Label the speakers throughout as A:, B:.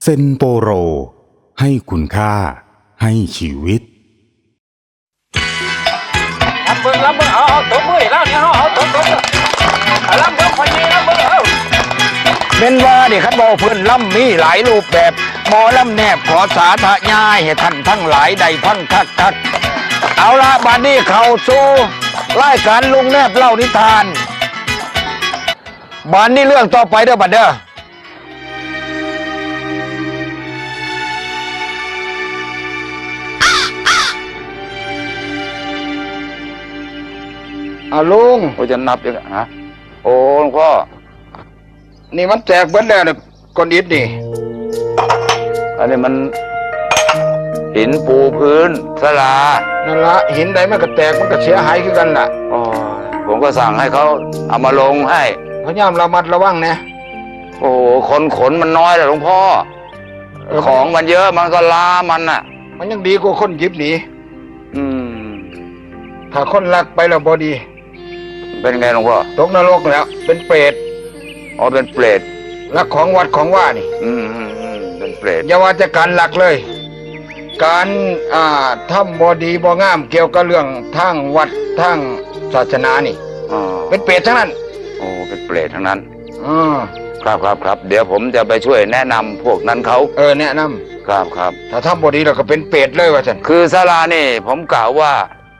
A: เซนโปโรให้คุณค่าให้ชีวิต
B: รับเบิ่งเอาตัวมือแล้วเนี่ยเอาตัวรับเบิ่งคนนี้รับเบิ่งเอาเป็นว่าดิคันบ่เพิ่นล่ำมีหลายรูปแบบหมอล่ำแนบขอสาธยายให้ท่านทั้งหลายได้ฟังคักเอาละบัดนี้เข้าสู่รายการลุงแนบเล่านิทานบัดนี้เรื่องต่อไปเด้อบัดเด้อลุงโอ้จะนับยังฮะโอ้หลวงพ่อนี่มันแจกเบิดแล้วเนี่ยก้อนอิฐนี่อันนี้มันหินปูพื้นศาลานั่นละหินใดมันก็แตกมันก็เสียหายคือกันล่ะอ๋อผมก็สั่งให้เขาเอามาลงให้พยายามระมัดระวังนะโอ้คนขนมันน้อยแต่หลวงพ่อของมันเยอะมันก็ล้ามันน่ะมันยังดีกว่าคนหยิบหนีถ้าคนลักไปแล้วบอดีเป็นไงหลวงพ่อตกนรกแล้วเป็นเปรตอ๋อเป็นเปรตลักของวัดของว่านี่เป็นเปรตอย่าว่าจะการลักเลยการทำบอดีบองามเกี่ยวกับเรื่องทางวัดทางศาสนานี่เป็นเปรตทั้งนั้นโอ้เป็นเปรตทั้งนั้นครับเดี๋ยวผมจะไปช่วยแนะนำพวกนั้นเขาแนะนำครับถ้าทำบอดีเราก็เป็นเปรตเลยว่าฉันคือศาลานี่ผมกล่าวว่า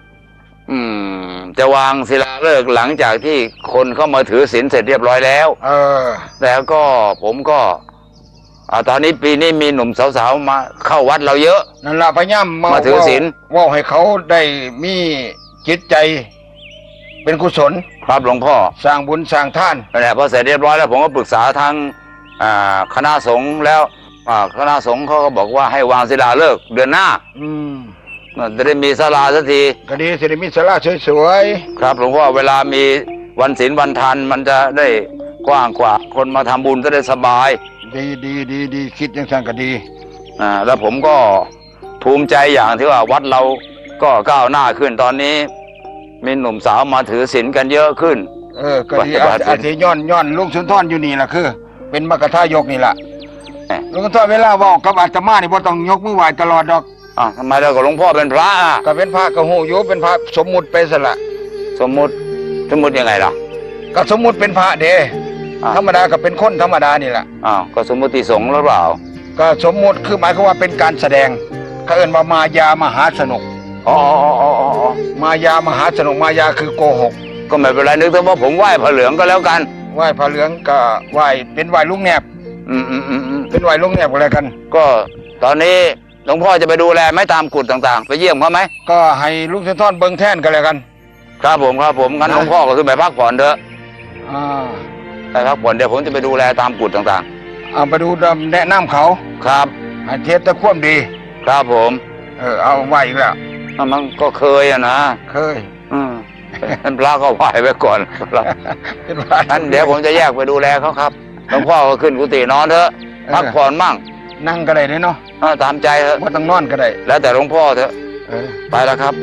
B: จะวางศิลาฤกษ์หลังจากที่คนเข้ามาถือศีลเสร็จเรียบร้อยแล้วแล้วก็ผมก็ตอนนี้ปีนี้มีหนุ่มสาวๆมาเข้าวัดเราเยอะนั่นละพยายามมาถือศีลว่าให้เขาได้มีจิตใจเป็นกุศลครับหลวงพ่อสร้างบุญสร้างท่านนั่นแหละพอเสร็จเรียบร้อยแล้วผมก็ปรึกษาทางคณะสงฆ์แล้วคณะสงฆ์เขาก็บอกว่าให้วางศิลาฤกษ์เดือนหน้าจะได้มีศาลาสักทีก็ดีจะได้มีศาลาสวยๆครับหลวงพ่อเวลามีวันศีลวันทานมันจะได้กว้างกว่าคนมาทำบุญจะได้สบายดีคิดอย่างนั้นก็ดีแล้วผมก็ภูมิใจอย่างที่ว่าวัดเราก็ก้าวหน้าขึ้นตอนนี้มีหนุ่มสาวมาถือศีลกันเยอะขึ้นก็ดีอาทิย้อนลุงสุนทรอยู่นี่แหละคือเป็นมกทายกนี่แหละลุงสุนทรเวลาบอกกับอาตมานี่บ่ต้องยกมือไหว้ตลอดดอกทำไมเรากับหลวงพ่อเป็นพระก็เป็นพระก็หูอยู่เป็นพระสมมุติไปซะละสมมุติยังไงล่ะก็สมมุติเป็นพระเด้ธรรมดาก็เป็นคนธรรมดานี่แหละก็สมมุติสงฆ์หรือเปล่าก็สมมุติคือหมายความว่าเป็นการแสดงเขาเอิ้นว่ามายามหาสนุกมายามหาสนุกมายาคือโกหกก็ไม่เป็นไรนึกถึงว่าผมไหว้พระเหลืองก็แล้วกันไหว้พระเหลืองก็ไหว้เป็นไหว้ลุงแนบเป็นไหว้ลุงแนบอะไรกันก็ตอนนี้หลวงพ่อจะไปดูแลไม่ตามกุฏต่างๆไปเยี่ยมเขาไหมก็ให้ลุงเซนทอนเบิ้งแท่นกันเลยกันครับผมงั้นหลวงพ่อก็คือไปพักผ่อนเถอะไปพักผ่อนเดี๋ยวผมจะไปดูแลตามกุฏต่างๆเอาไปดูแนะนำเขาครับให้เทศตะคว่ำดีครับผมเอาไหวอีกแล้วมันก็เคยนะเคยท่านพระก็ไหวไว้ก่อนท่านเดี๋ยวผมจะแยกไปดูแลเขาครับหลวงพ่อก็ขึ้นกุฏินอนเถอะพักผ่อนมั่งนั่งก็ได้เนาะตามใจเถอะว่าต้องนอนก็ได้แล้วแต่หลวงพ่อเถอะไปแล้วครับ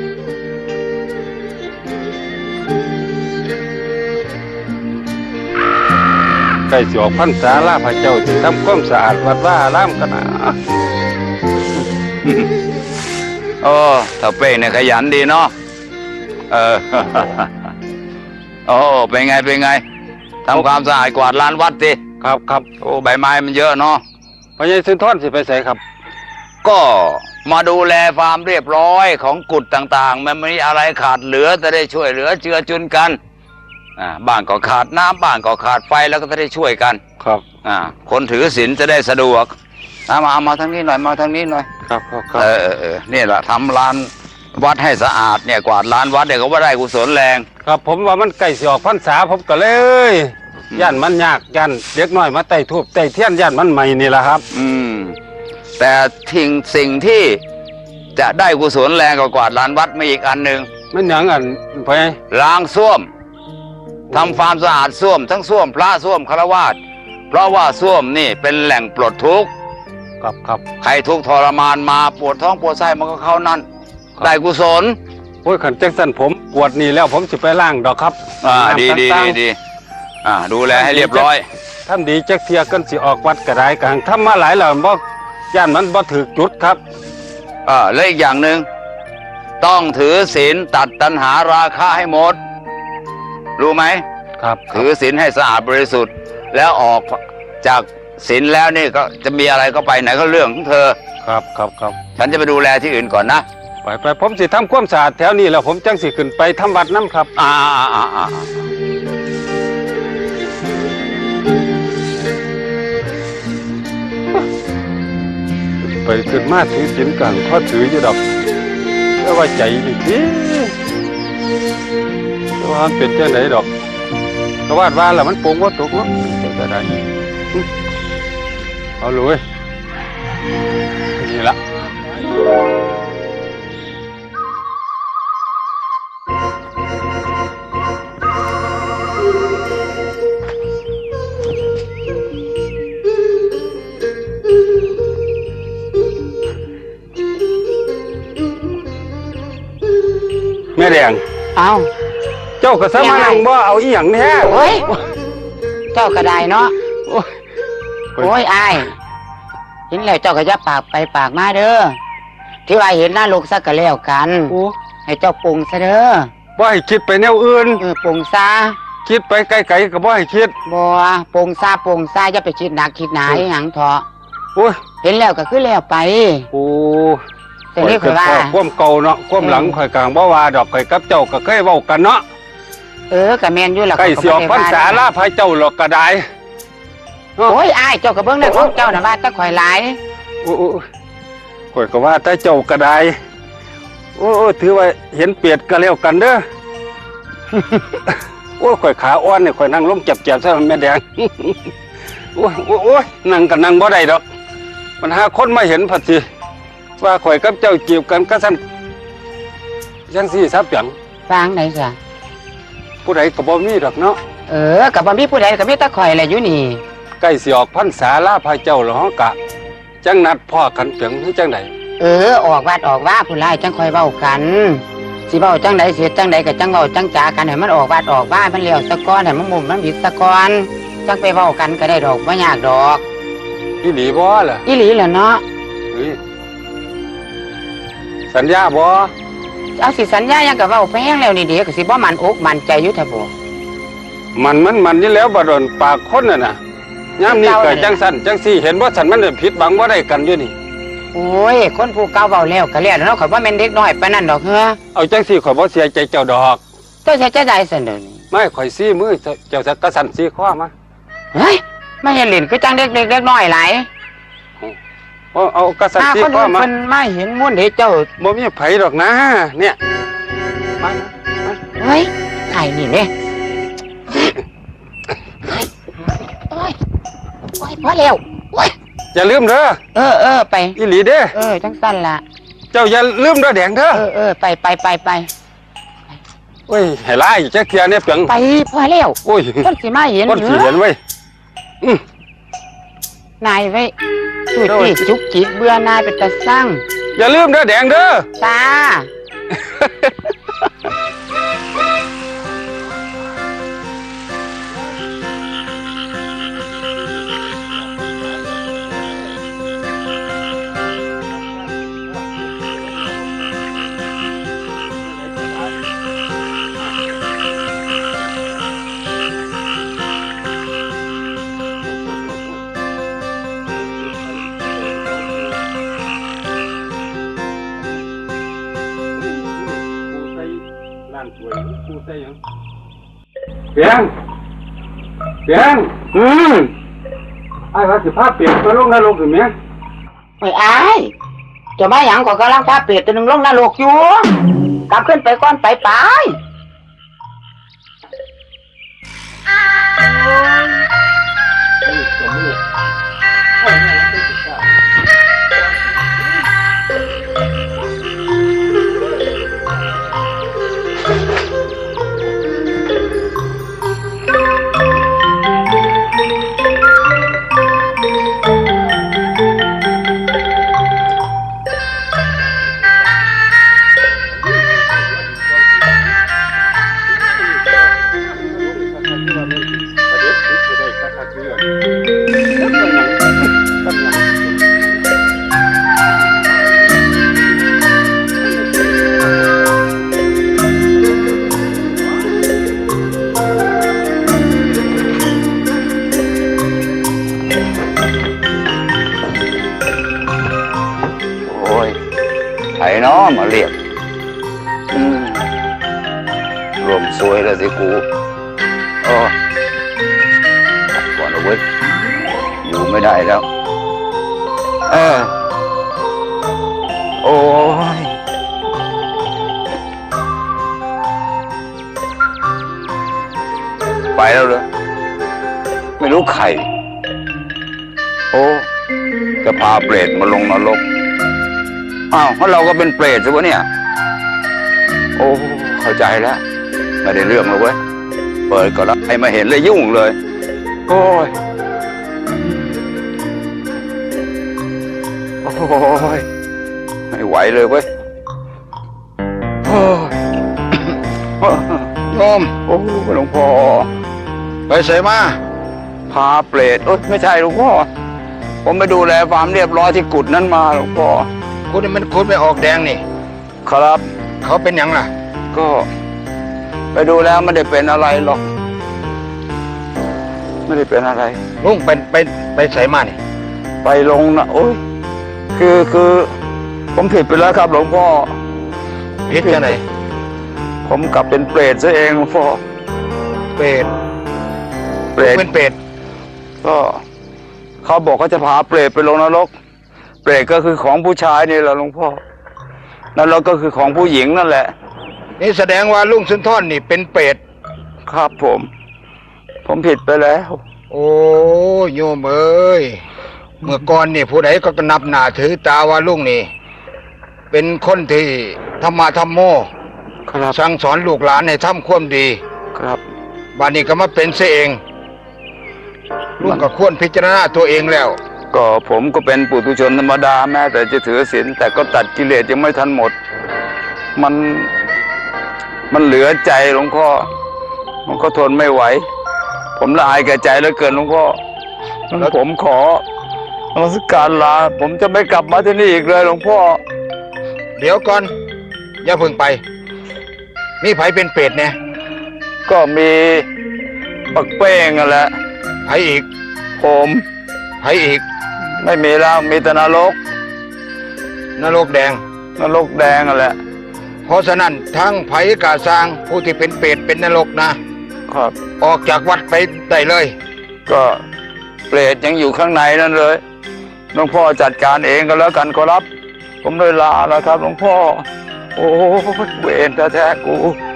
C: ใกล้สิออกพรรษาลาพระเจ้าที่ทำความสะอาดวัดว่าล้ำกันนะ
B: โอ้ถ้าเป้เนี่ยขยันดีเนาะโอ้เป็นไงทำความสะอาดกวาดลานวัดสิ
C: ครับ
B: โอ้ใบไม้มันเยอะเนาะ
C: พญาสุนทรสิไปใส่ครับ
B: ก็มาดูแลความเรียบร้อยของกุฏต่างๆมันมีอะไรขาดเหลือจะได้ช่วยเหลือเจือจุนกันบ้านก็ขาดน้ำบ้านก็ขาดไฟแล้วก็จะได้ช่วยกัน
C: ครับ
B: คนถือศีลจะได้สะดวกมาทางนี้หน่อยมาทางนี้หน่อย
C: ครับ
B: นี่แหละทำลานวัดให้สะอาดเนี่ยกวาดลานวัดเนี่ยก็ว่าได้กุศลแรง
C: ครับผมว่ามันใกล้สิออกพรรษาผมก็เลยย่านมันยากย่านเด็กน้อยมาไต่ทูบไต่เทียนย่านมันใหม่นี่แหละครับ
B: แต่สิ่งที่จะได้กุศลแรงกว่าลานวัดมีอีกอันหนึ่ง
C: มันอย่างอันไป
B: ล้างส้วมทำความสะอาดส้วมทั้งส้วมพระส้วมฆราวาสเพราะว่าส้วมนี่เป็นแหล่งปลดทุกข์
C: ครับ
B: ใครทุกข์ทรมานมาปวดท้องปวดไส้มันก็เข้านั่นได้กุศล
C: โอ้ยขันแจ็คสันผมปวดนี่แล้วผมจะไปล้างดอกครับ
B: ดีดูแลให้เรียบร้อย
C: ทำดีจักเทียกันสิออกวัดกระไดกลางทำมาหลายแล้วบ่ย่านมันบ่ถือจุดครับ
B: และอีกอย่างหนึ่งต้องถือศีลตัดตัณหาราคะให้หมดรู้ไหม
C: ครับ
B: ถือศีลให้สะอาดบริสุทธิ์แล้วออกจากศีลแล้วนี่ก็จะมีอะไรก็ไปไหนก็เรื่องของเธอ
C: ครับ
B: ฉันจะไปดูแลที่อื่นก่อนนะ
C: ไปผมสิทำความสะอาดแถวนี้แล้วผมจังสิขึ้นไปทำวัดน้ำครับไปขึ้นมาถือศีลกลางข้อถืออยู่ดอกแล้วว่าใจนี่ทีว่ามันเป็นเจ้าไหนดอกกระวาดว่าแล้วมันโป่งว่าตกเนาะจะได้เอาเลยนี่ละแม่แดงเจ้าก็สมานังบ่เอาอีหยังแท้
D: โอ้ยเจ้าก็ได้เนาะโอ้ยอายเห็นแล้วเจ้าก็จะปากไปปากมาเด้อที่ว่าเห็นหน้าลูกซะก็แล้วกันให้เจ้าปรุงซะเด้อ
C: บ่ให้คิดไปแนวอื่น
D: ปรุงซะ
C: คิดไปไกลๆก็บ่ให้คิด
D: บ่ปรุงซะอย่าไปคิดหนักคิดหนาหยังเถาะ
C: โอ้ย
D: เห็นแล้วก็คือแล้วไปแต่นี่คือว่า
C: ความเก่าเนาะความหลังข่อยกลางบ่ว่าดอกข่อยกับเจ้าก็เคยเว้ากันเนาะ
D: ก็แม่นอยู่ล่ะ
C: ใกล้สิออกพรรษาลาพระเจ้าหรอกก็ได้
D: โอ้ยอ้ายเจ้าก็เบิ่งได้ของเจ้าน่ะว่าแต่ข่อยหลาย
C: โอ้ข่อยก็ว่าแต่เจ้าก็ได้โอ้ถือว่าเห็นเปียดก็แล้วกันเด้อโอ้ข่อยขาอ่อนนี่ข่อยนั่งลงเจ็บๆซะแม่แดงโอ้ยนั่งก็นั่งบ่ได้ดอกมันหาคนมาเห็นพัดสิว่าข่อยกับเจ้าจีบกันก็สั่นจังซี่ซับหยัง
D: ฟังได้จ้ะ
C: ผู้ใดก็บ่มีดอกเนาะ
D: ก็บ่มีผู้ใดก็มีแต่ข่อยแหละอยู่นี่
C: ใกล้สิออกพรรษาลาพระเจ้าแล้วเฮากะจังนัดพ่อกันเปียงคือจังได
D: ออกวัดออกว่าผู้หลายจังค่อยเว้ากันสิเว้าจังได๋สิจังได๋ก็จังเว้าจังจากันให้มันออกวัดออกว่ามันแล้วซะก่อนให้มันมุมมันบิดซะก่อนจังไปเว้ากันก็ได้ดอกบ่ยากดอก
C: อีหลีบ่ล่ะ
D: อีหลีล่ะเนาะ
C: สัญญาบ่
D: เอาสิสัญญายังก็เว้าแพงแล้วนี่เดี๋ยวก็สิบ่มั่นอกมั่นใจอยู่ท่าบ่
C: มันนี่แล้วบ่โดนปากคนน่ะยามนี้ก็จังสั่นจังซี่เห็นบ่สั่นมันผิดบังบ่ได้กันอยู่นี่
D: โอ้ยคนผู้เก่าเว้าแล้วก็แล้วเนาะข่อยบ่แม่นเด็กน้อยปานนั้นดอกเฮ้อ
C: เอาจังซี่ข่อยบ่เสียใจเจ้าดอก
D: เจ้าเสียใจได้ซั่นเด้อ
C: ไม่ข่อยซี่มือเจ้าก็สั่นซี่คอมา
D: เฮ้ยไม่เห็นเล่นคือจังเด็กๆน้อยหลาย
C: เอากระสันซี่
D: ก็มาไม่เห็นม้วนเด็กเจ้า
C: บ่มีไผดอกนะเนี่ยมา
D: เฮ้ยไข่นี่เนี่ยโอ้ยพอแล้ว
C: อย่าลืมเด้
D: อไป
C: อีหลีเด้
D: จังสั้นละ
C: เจ้าอย่าลืมเด้อแดงเด้
D: อไป
C: โอ้ยให้ไล่จักเทียเนี่ยเปียง
D: ไปพอแล้ว
C: โอ้ย
D: คนสิมาเห็น
C: คนสิเห็นเว้ย
D: นายไว้จุดที่จุกจิกเบื่อนายเป็นตาสร้าง
C: อย่าลืมเด้อแดงเด้อ
D: จ้า
C: เปียงไอ้ว่าสิพาเปียงไปลงนรกหรือไง
D: ไม่ไอ้จะมาอย่างก็กำลังพาเปียกตัวหนึ่งลงนรกอยู่กลับขึ้นไปก่อนไป
B: เนาะมาเรียกรวมซวยแล้วสิกูก่อนเอาไว้อยู่ไม่ได้แล้วโอ้ยไปแล้วเหรอไม่รู้ใครโอ้จะพาเปรตมาลงนรกอ้าวเพราะเราก็เป็นเปรตสิวะเนี่ยโอ้เข้าใจแล้วไม่ได้เรื่องเลยเว้ยเปิดก่อนแล้วใครมาเห็นเลยยุ่งเลยโอ้ยโอ้ยไม่ไหวเลยเว้ยโอ้ยโยมโอ้หลวงพ่อไปเสมาพาเปรตโอ้ยไม่ใช่หลวงพ่อผมไปดูแลความเรียบร้อยที่กุฏนั้นมาหลวงพ่อกุฏนี่มันกุฏไม่ออกแดงนี่ครับเขาเป็นยังล่ะก็ไปดูแล้วไม่ได้เป็นอะไรหรอกไม่ได้เป็นอะไรลุงไปใส่มานี่ไปลงนะโอ้ยคือผมผิดไปแล้วครับหลวงพ่อผิดยังไงผมกลับเป็นเปรตซะเองหลวงพ่อเปรตเป็นเปรตก็เขาบอกเขาจะพาเปรตไปลงนรกเปรตก็คือของผู้ชายนี่แหละหลวงพ่อนรกก็คือของผู้หญิงนั่นแหละนี่แสดงว่าลุงสุนทรนี่เป็นเปรตครับผมผิดไปแล้วโอ้โยมเอ้ยเมื่อก่อนนี่ผู้ใดก็นับหน้าถือตาว่าลุงนี่เป็นคนที่ธรรมะธรรมโมสั่งสอนลูกหลานให้ทำความดีครับบัดนี้ก็มาเป็นเสียเองลุงก็ควรพิจารณาตัวเองแล้วก็ผมก็เป็นปุถุชนธรรมดาแม้แต่จะถือศีลแต่ก็ตัดกิเลสยังไม่ทันหมดมันเหลือใจหลวงพ่อมันก็ทนไม่ไหวผมละอายแก่ใจเหลือเกินหลวงพ่อแล้วผมขอนมัสการลาผมจะไม่กลับมาที่นี่อีกเลยหลวงพ่อเดี๋ยวก่อนอย่าเพิ่งไปมีไผเป็นเปรตเนี่ยก็มีปักเป้งนั่นแหละไผอีกผมไผอีกไม่มีแล้วมีแต่นรกแดงนั่นแหละเพราะฉะนั้นทั้งไผกาสร้างผู้ที่เป็นเปรตเป็นนรกนะครับออกจากวัดไปได้เลยก็เปรตยังอยู่ข้างในนั่นเลยหลวงพ่อจัดการเองก็แล้วกันขอรับผมเลยลาแล้วครับหลวงพ่อโอ้เวรแท้ๆกู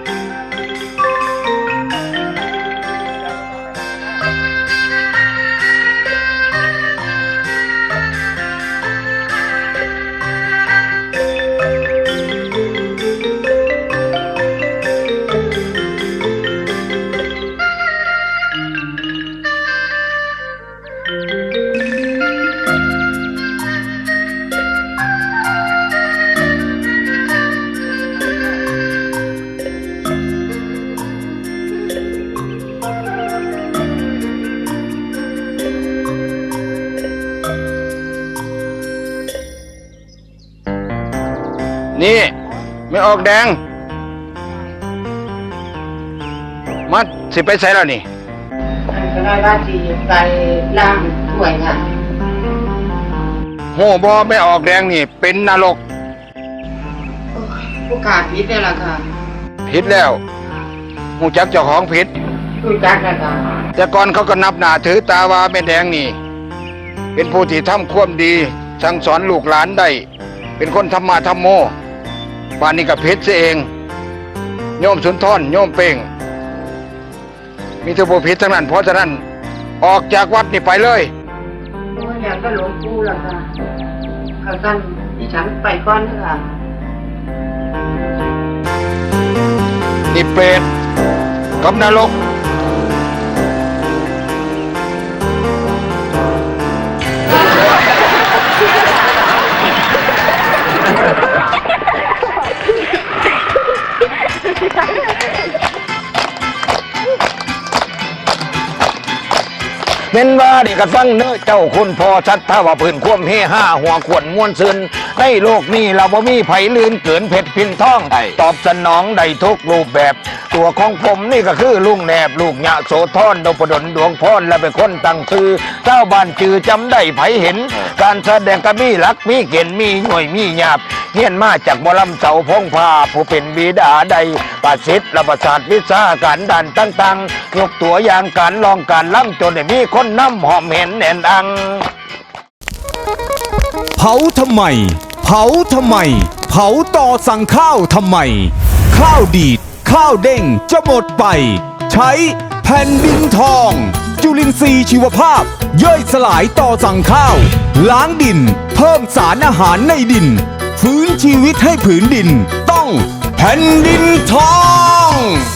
B: นี่ไม่ออกแดงมาสิไปใส่แล้วนี่
D: ก็ได้ว่าสิไปล้างถ้วยค่ะ
B: โหบอไม่ออกแดงนี่เป็นนรก
D: ผู้ขาดผิดได้ละค่ะ
B: ผิดแล้วหูจักเจ้าของผิด
D: รู้จักแล้วค่ะ
B: แต่ก่อนเขาก็นับหน้าถือตาว่าแม่แดงนี่เป็นผู้ที่ทำความดีสั่งสอนลูกหลานได้เป็นคนธรรมะธรรมโมบ้านนี้กับเพชรเองโยมสุนทรโยมเป่งมีแต่ผู้ผิดทั้งนั้นเพราะฉะนั้นออกจากวัดนี่ไปเลย
D: โอ้ยอยากก็หลวงปู่ล่ะค่ะข้าท่านดิฉันไปก่อนค่ะ
B: นี่เปรตกับนรกเป็นว่าเด็กกระฟังเน
E: เจ้าคุณพอชัดถ้าว่าพื้นควมเฮห้าหัวขวนม้วนซึนในโลกนี้เราบ่มีไผลืนเกินเพชรพินทองตอบสนองได้ทุกรูปแบบตัวของผมนี่ก็คือลุงแนบลูกหยะโสธรนพดลดวงพรและเป็นคนตั้งชื่อเจ้าบ้านจือจำได้ไผเห็นการแสดงก็มีหลักมีเกณฑ์มีหน่วยมีหยาบเฮียนมาจากบลำเสาพงพาผู้เป็นบิดาใดประสิทธิ์และประสาทวิชาการดันตั้งๆยกตัวอย่างการลองการล่ำจนได้มีคนนำหอมเห็นแน่นอัง
A: เผาทำไม เผาทำไม เผาต่อสั่งข้าวทำไม ข้าวดีด ข้าวเด้งจะหมดไป ใช้แผ่นดินทอง จุลินทรีย์ชีวภาพ ย่อยสลายต่อสั่งข้าว ล้างดิน เพิ่มสารอาหารในดิน ฟื้นชีวิตให้ผืนดิน ต้องแผ่นดินทอง